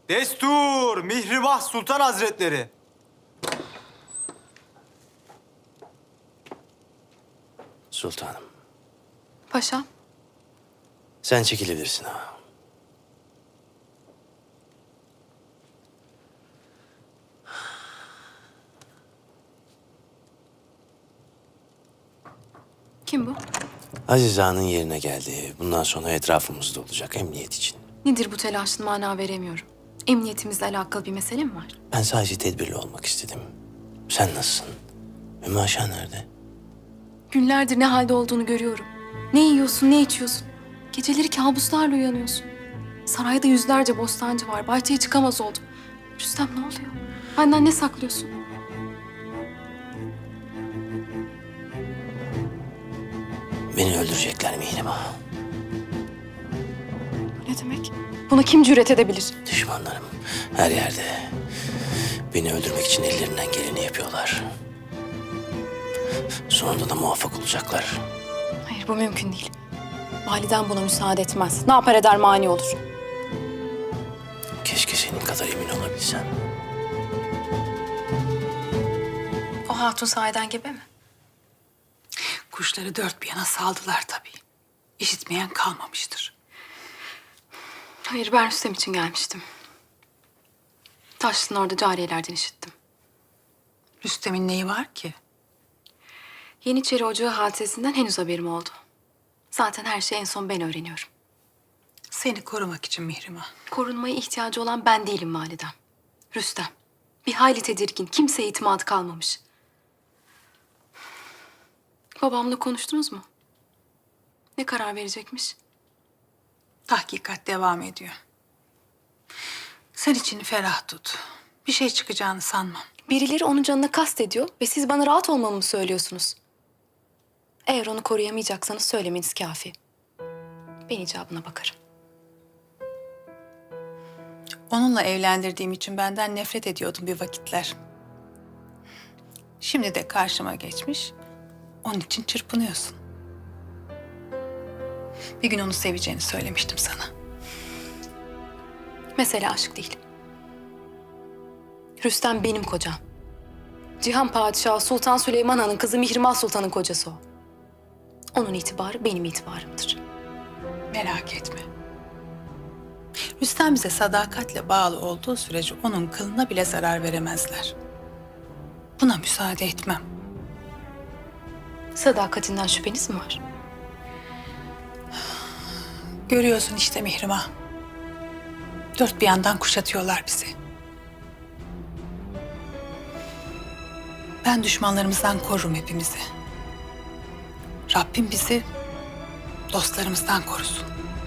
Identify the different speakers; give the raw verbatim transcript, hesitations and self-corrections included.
Speaker 1: Destur Mihrimah Sultan Hazretleri.
Speaker 2: Sultanım,
Speaker 3: Paşam.
Speaker 2: sen çekilebilirsin ha.
Speaker 3: Kim bu?
Speaker 2: Aziz Ağa'nın yerine geldi. Bundan sonra etrafımızda olacak emniyet için.
Speaker 3: Nedir bu telaşın, mana veremiyorum. Emniyetimizle alakalı bir mesele mi var?
Speaker 2: Ben sadece tedbirli olmak istedim. Sen nasılsın? Ümmü Aşağı nerede?
Speaker 3: Günlerdir ne halde olduğunu görüyorum. Ne yiyorsun, ne içiyorsun. Geceleri kabuslarla uyanıyorsun. Sarayda yüzlerce bostancı var. Bahçeye çıkamaz oldum. Rüstem ne oluyor? Benden ne saklıyorsun?
Speaker 2: Beni öldürecekler Mihrimah.
Speaker 3: Bu ne demek? Buna kim cüret edebilir?
Speaker 2: Düşmanlarım her yerde. Beni öldürmek için ellerinden geleni yapıyorlar. Sonunda da muvaffak olacaklar.
Speaker 3: Hayır, bu mümkün değil. Validen buna müsaade etmez. Ne yapar eder mani olur.
Speaker 2: Keşke senin kadar emin olabilsem.
Speaker 3: O hatun sahiden gebe mi?
Speaker 4: Kuşları dört bir yana saldılar tabii. İşitmeyen kalmamıştır.
Speaker 3: Hayır, ben Rüstem için gelmiştim. Taşlı'nın orada cariyelerden işittim.
Speaker 4: Rüstem'in neyi var ki?
Speaker 3: Yeniçeri Ocağı hadisesinden henüz haberim oldu. Zaten her şeyi en son ben öğreniyorum.
Speaker 4: Seni korumak için Mihrimah.
Speaker 3: Korunmaya ihtiyacı olan ben değilim validem. Rüstem. Bir hayli tedirgin, kimseye itimadı kalmamış. Babamla konuştunuz mu? Ne karar verecekmiş?
Speaker 4: Tahkikat devam ediyor. Sen içini ferah tut. Bir şey çıkacağını sanmam.
Speaker 3: Birileri onun canına kast ediyor ve siz bana rahat olmamı mı söylüyorsunuz? Eğer onu koruyamayacaksanız söylemeniz kafi. Ben icabına bakarım.
Speaker 4: Onunla evlendirdiğim için benden nefret ediyordum bir vakitler. Şimdi de karşıma geçmiş. Onun için çırpınıyorsun. Bir gün onu seveceğini söylemiştim sana.
Speaker 3: Mesele aşk değil. Rüstem benim kocam. Cihan Padişahı Sultan Süleyman Han'ın kızı Mihrimah Sultan'ın kocası o. Onun itibarı benim itibarımdır.
Speaker 4: Merak etme. Rüstem bize sadakatle bağlı olduğu sürece onun kılına bile zarar veremezler. Buna müsaade etmem.
Speaker 3: Sadakatinden şüpheniz mi var?
Speaker 4: Görüyorsun işte Mihrimah. Dört bir yandan kuşatıyorlar bizi. Ben düşmanlarımızdan korurum hepimizi. Rabbim bizi dostlarımızdan korusun.